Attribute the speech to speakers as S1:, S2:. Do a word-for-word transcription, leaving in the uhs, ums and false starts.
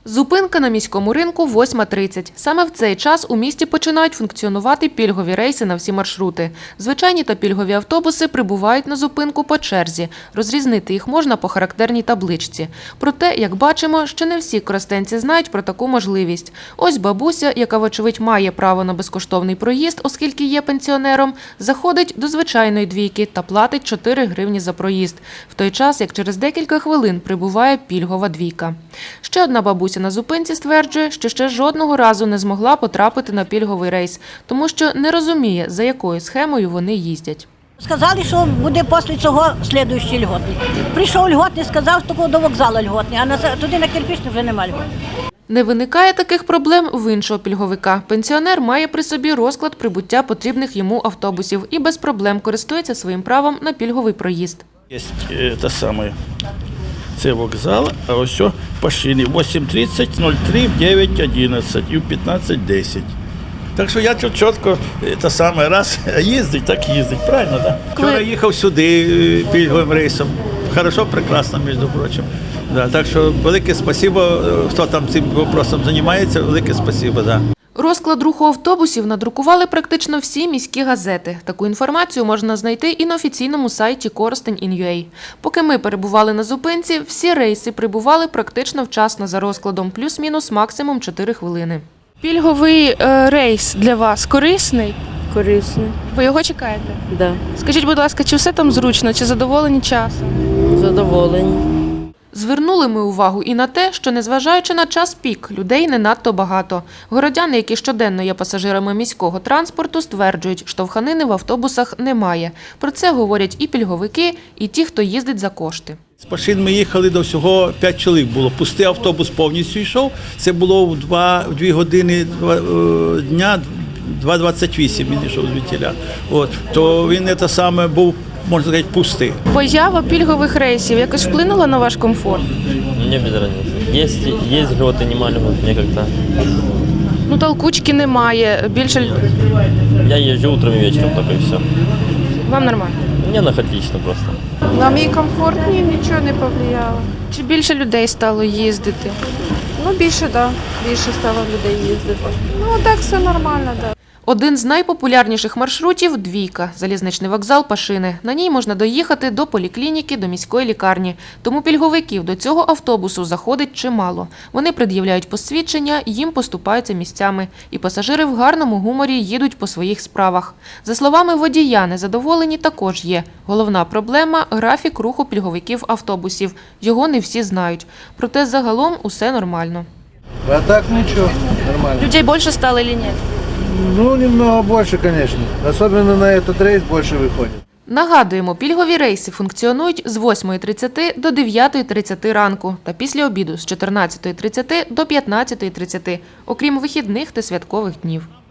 S1: Зупинка на міському ринку восьма тридцять. Саме в цей час у місті починають функціонувати пільгові рейси на всі маршрути. Звичайні та пільгові автобуси прибувають на зупинку по черзі. Розрізнити їх можна по характерній табличці. Проте, як бачимо, ще не всі коростенці знають про таку можливість. Ось бабуся, яка, вочевидь, має право на безкоштовний проїзд, оскільки є пенсіонером, заходить до звичайної двійки та платить чотири гривні за проїзд. В той час, як через декілька хвилин прибуває пільгова двійка. Ще одна бабуся на зупинці стверджує, що ще жодного разу не змогла потрапити на пільговий рейс, тому що не розуміє, за якою схемою вони їздять.
S2: Сказали, що буде після цього слідуючий льготний. Прийшов льготний, сказав, що до вокзалу льготний, а туди на Кирпичний вже немає льготний.
S1: Не виникає таких проблем в іншого пільговика. Пенсіонер має при собі розклад прибуття потрібних йому автобусів і без проблем користується своїм правом на пільговий проїзд.
S3: Є те саме. Це вокзал, а ось по шині вісім тридцять, нуль три, дев'ять одинадцять і п'ятнадцять десять. Так що я тут чітко те саме раз їздить, так їздить, правильно, так? Да? Вчора їхав сюди пільговим рейсом. Хорошо, прекрасно, між прочим. Да, так що велике спасибо, хто там цим питанням займається, велике спасибо, да.
S1: Розклад руху автобусів надрукували практично всі міські газети. Таку інформацію можна знайти і на офіційному сайті Коростень точка ін ю ей. Поки ми перебували на зупинці, всі рейси прибували практично вчасно за розкладом, плюс-мінус максимум чотири хвилини.
S4: Пільговий е, рейс для вас корисний?
S5: Корисний.
S4: Ви його чекаєте?
S5: Так. Да.
S4: Скажіть, будь ласка, чи все там зручно, чи задоволені часом?
S5: Задоволені.
S1: Звернули ми увагу і на те, що, незважаючи на час пік, людей не надто багато. Городяни, які щоденно є пасажирами міського транспорту, стверджують, штовханини в автобусах немає. Про це говорять і пільговики, і ті, хто їздить за кошти.
S3: З Пашин ми їхали до всього п'ять чоловік було. Пустий автобус повністю йшов. Це було в дві години дня, два двадцять вісім він йшов звідтіля. От, то він це саме був, можна сказати, пустий.
S4: Поява пільгових рейсів якось вплинула на ваш комфорт?
S6: Мне без разницы. Есть, есть льготы, нема льгот, мне как-то.
S4: Ну, толкучки немає, більше...
S6: Я езжу утром и вечером, только и все.
S4: Вам нормально?
S6: Мне нах отлично просто.
S7: На мій комфорт ні, нічого не повлияло.
S4: Чи більше людей стало їздити?
S7: Ну, більше, так. Да. Більше стало людей їздити. Ну, так все нормально, так. Да.
S1: Один з найпопулярніших маршрутів – «Двійка» – залізничний вокзал Пашини. На ній можна доїхати до поліклініки, до міської лікарні. Тому пільговиків до цього автобусу заходить чимало. Вони пред'являють посвідчення, їм поступаються місцями. І пасажири в гарному гуморі їдуть по своїх справах. За словами водія, незадоволені також є. Головна проблема – графік руху пільговиків автобусів. Його не всі знають. Проте загалом усе нормально.
S8: А так ничего, нормально.
S4: Людей більше стало чи ні?
S8: Ну, немного больше, конечно. Особенно на этот рейс больше выходит.
S1: Нагадуємо, пільгові рейси функціонують з восьмої тридцяти до дев'ятої тридцяти ранку та після обіду з чотирнадцятої тридцяти до п'ятнадцятої тридцяти, окрім вихідних та святкових днів.